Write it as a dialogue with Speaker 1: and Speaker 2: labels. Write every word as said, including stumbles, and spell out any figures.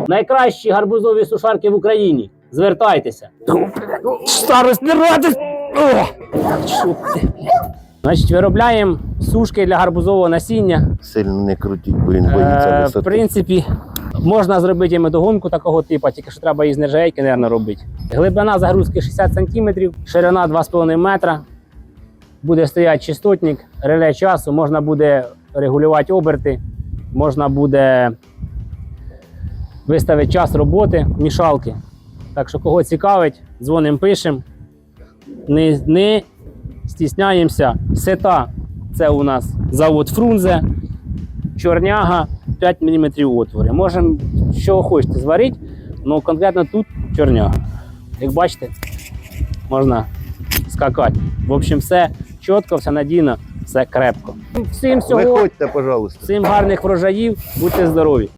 Speaker 1: Найкращі гарбузові сушарки в Україні. Звертайтеся. Старость не радить! Значить, виробляємо сушки для гарбузового насіння.
Speaker 2: Сильно не крутіть, бо він боїться
Speaker 1: Е,
Speaker 2: висоти.
Speaker 1: в принципі, можна зробити і медогонку такого типу, тільки що треба із нержавейки, мабуть, робити. Глибина загрузки шістдесят сантиметрів, ширина два з половиною метра. Буде стояти частотник, реле часу, можна буде регулювати оберти, можна буде виставити час роботи, мішалки. Так що, кого цікавить, дзвонимо, пишемо. Не, не стісняємося. Сета – це у нас завод Фрунзе, чорняга, п'ять міліметрів отвори. Можемо, що хочете, зварити, але конкретно тут чорняга. Як бачите, можна скакати. В общем, все чітко, все надійно, все крепко. Всім всього,
Speaker 2: Виходьте, пожалуйста.
Speaker 1: всім гарних врожаїв, будьте здорові!